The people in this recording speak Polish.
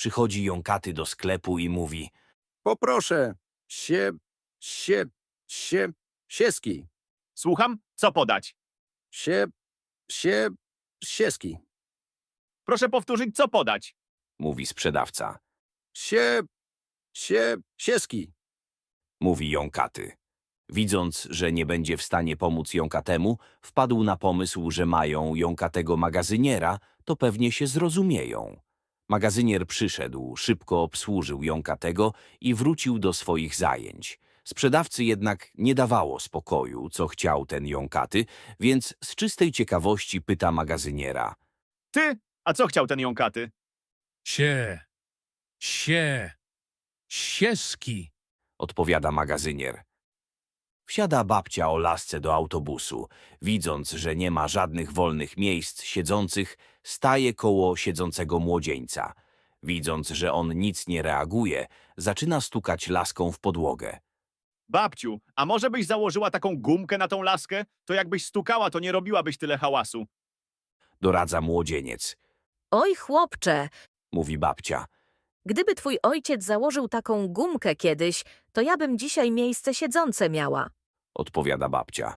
Przychodzi jąkaty do sklepu i mówi: Poproszę, sieski. Słucham, co podać? Sieski. Proszę powtórzyć, co podać. mówi sprzedawca. Sieski. Mówi jąkaty. Widząc, że nie będzie w stanie pomóc jąkatemu, wpadł na pomysł, że mają jąkatego magazyniera, to pewnie się zrozumieją. Magazynier przyszedł, szybko obsłużył jąkatego i wrócił do swoich zajęć. Sprzedawcy jednak nie dawało spokoju, co chciał ten jąkaty, więc z czystej ciekawości pyta magazyniera. Ty? A co chciał ten jąkaty? Sieski. Odpowiada magazynier. Wsiada babcia o lasce do autobusu. Widząc, że nie ma żadnych wolnych miejsc siedzących, staje koło siedzącego młodzieńca. Widząc, że on nic nie reaguje, zaczyna stukać laską w podłogę. Babciu, a może byś założyła taką gumkę na tą laskę? To jakbyś stukała, to nie robiłabyś tyle hałasu. Doradza młodzieniec. Oj, chłopcze, Mówi babcia. gdyby twój ojciec założył taką gumkę kiedyś, to ja bym dzisiaj miejsce siedzące miała. Odpowiada babcia.